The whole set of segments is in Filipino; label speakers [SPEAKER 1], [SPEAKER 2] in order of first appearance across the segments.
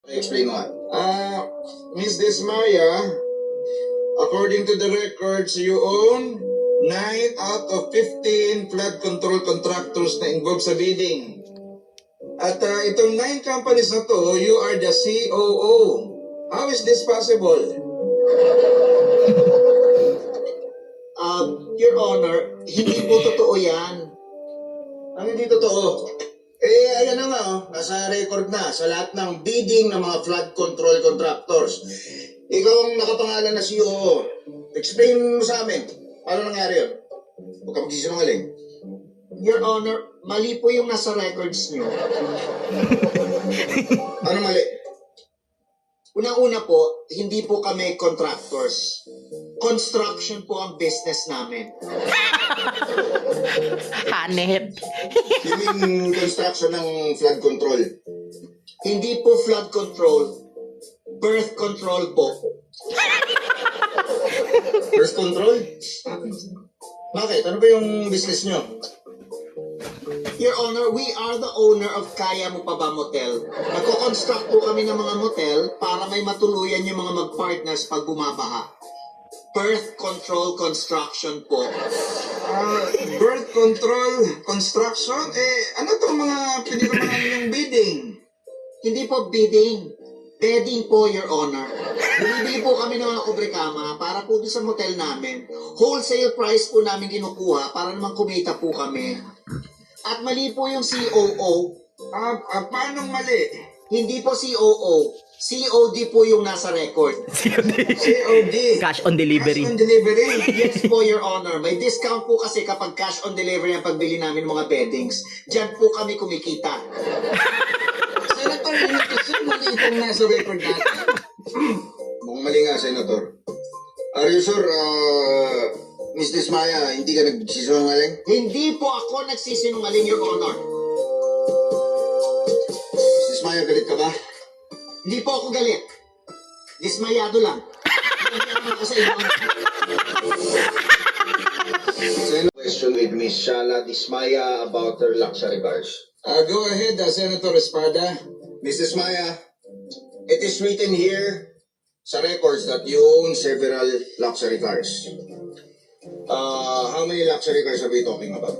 [SPEAKER 1] Explain mo nga. Miss Desmaya, according to the records, you own 9 out of 15 flood control contractors na involved sa bidding. At itong 9 companies na to, you are the COO. How is this possible?
[SPEAKER 2] Your Honor, hindi po totoo yan.
[SPEAKER 1] Ang hindi totoo. Ayan na nga, nasa record na sa lahat ng bidding ng mga flood control contractors. Ikaw ang nakapangalan na COO. Explain mo sa amin, paano nangyari yun? Huwag ka magsisinungaling.
[SPEAKER 2] Your Honor, mali po yung nasa records nyo.
[SPEAKER 1] Ano mali?
[SPEAKER 2] Unang-una po, hindi po kami contractors. Construction po ang business namin.
[SPEAKER 3] Hanep.
[SPEAKER 1] You mean construction ng flood control?
[SPEAKER 2] Hindi po flood control, birth control po.
[SPEAKER 1] Birth control? Bakit? Ano ba yung business nyo?
[SPEAKER 2] Your Honor, we are the owner of Kaya Mo Pa Ba Motel. Nagko-construct po kami ng mga motel para may matuluyan yung mga mag-partners pag bumabaha. Birth control construction po.
[SPEAKER 1] Birth control construction? Ano itong mga pinirmahan yung bidding?
[SPEAKER 2] Hindi po bidding. Bedding po, Your Honor. Bumibili po kami ng mga kubrekama para po doon sa motel namin. Wholesale price po namin kinukuha para naman kumita po kami. At mali po yung COO.
[SPEAKER 1] Paano mali?
[SPEAKER 2] Hindi po COO. COD po yung nasa record.
[SPEAKER 1] COD.
[SPEAKER 3] Cash on delivery.
[SPEAKER 1] Cash on delivery.
[SPEAKER 2] Yes po, Your Honor. May discount po kasi kapag cash on delivery ang pagbili namin mga beddings. Diyan po kami kumikita.
[SPEAKER 1] Senator, kasi mali itong nasa record natin. Mukhang mali nga, Senator. Are you sure, Miss Desmaya, hindi ka nagsisinungaling?
[SPEAKER 2] Hindi po ako nagsisinungaling, Your Honor.
[SPEAKER 1] Miss Desmaya, galit ka ba?
[SPEAKER 2] Hindi po ako galit. Dismayado lang. Hindi ako sa inyo.
[SPEAKER 1] Question with Miss Shala Desmaya about her luxury cars. Go ahead, Senator Espada. Miss Desmaya, it is written here sa records that you own several luxury cars. How many luxury cars are we talking about?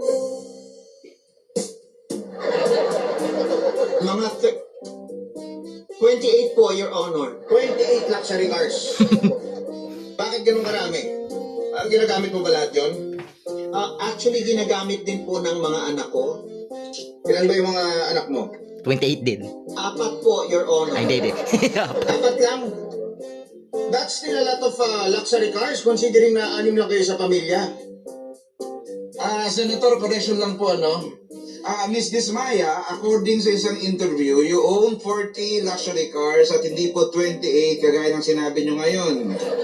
[SPEAKER 2] Mga 28 po, Your Honor.
[SPEAKER 1] 28 luxury cars. Bakit ganun karami? Ginagamit mo ba lahat yun?
[SPEAKER 2] Actually, ginagamit din po ng mga anak ko.
[SPEAKER 1] Ilan ba yung mga anak mo?
[SPEAKER 3] 28 din.
[SPEAKER 2] 4 po, Your Honor.
[SPEAKER 3] Ay, hindi.
[SPEAKER 1] 4 lang. That's still a lot of luxury cars considering na 6 lang kayo sa pamilya. Senator, correction lang po, ano? Miss Desmaya, according sa isang interview, you own 40 luxury cars at hindi po 28 kagaya ng sinabi nyo ngayon.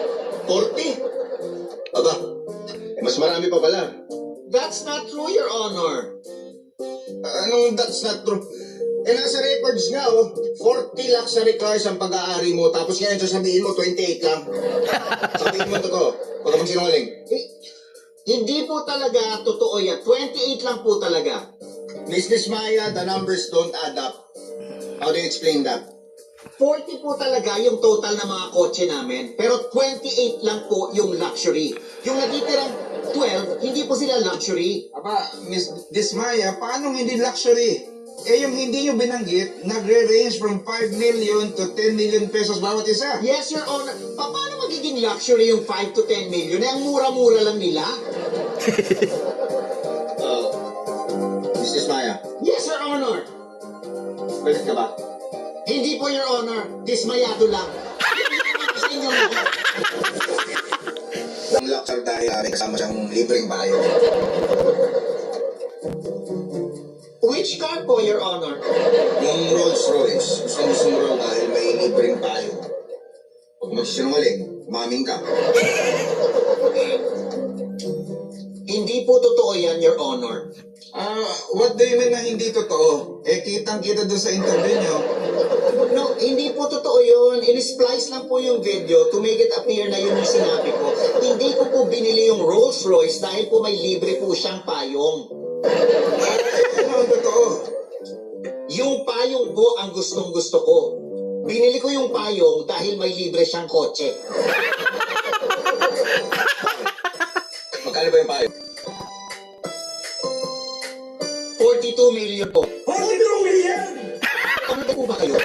[SPEAKER 1] 40? Aba, mas marami pa pala.
[SPEAKER 2] That's not true, Your Honor.
[SPEAKER 1] Anong that's not true? Nasa records nga, 40 luxury cars ang pag-aari mo, tapos ngayon sasabihin mo, 28 lang. Sabihin mo totoo. Huwag ka magsinungaling.
[SPEAKER 2] Hindi po talaga totoo yan. 28 lang po talaga.
[SPEAKER 1] Miss Desmaya, the numbers don't add up. How do you explain that?
[SPEAKER 2] 40 po talaga yung total ng mga kotse namin. Pero 28 lang po yung luxury. Yung natitirang 12, hindi po sila luxury.
[SPEAKER 1] Aba, Miss Desmaya, paano hindi luxury? Yung hindi nyo binanggit, nagre-range from 5 million to 10 million pesos bawat isa.
[SPEAKER 2] Yes, Your Honor. Paano magiging luxury yung 5 to 10 million? Ang mura-mura lang nila.
[SPEAKER 1] Miss Desmaya,
[SPEAKER 2] Yes, Your Honor.
[SPEAKER 1] galit ka ba?
[SPEAKER 2] Hindi po, Your Honor. Dismayado lang. Sa inyo lang.
[SPEAKER 1] Ang luxury dahil may kasama siyang libreng bayo.
[SPEAKER 2] Which car po, Your Honor?
[SPEAKER 1] Yung Rolls Royce, gusto mo raw dahil may libreng bayo. Huwag magsisinungaling, maming ka.
[SPEAKER 2] Hindi po totoo yan, Your Honor.
[SPEAKER 1] What do you mean na hindi totoo? Kitang-kita doon sa interview nyo.
[SPEAKER 2] No, hindi po totoo yun. In-splice lang po yung video to make it appear na yun yung sinabi ko. Hindi ko po binili yung Rolls Royce dahil po may libre po siyang payong.
[SPEAKER 1] Ano ang totoo?
[SPEAKER 2] Yung payong po ang gustong-gusto ko. Binili ko yung payong dahil may libre siyang kotse.
[SPEAKER 1] Magkano ba yung payo?
[SPEAKER 2] 42 million po.
[SPEAKER 1] 42 million!
[SPEAKER 2] Ano po ba kayo?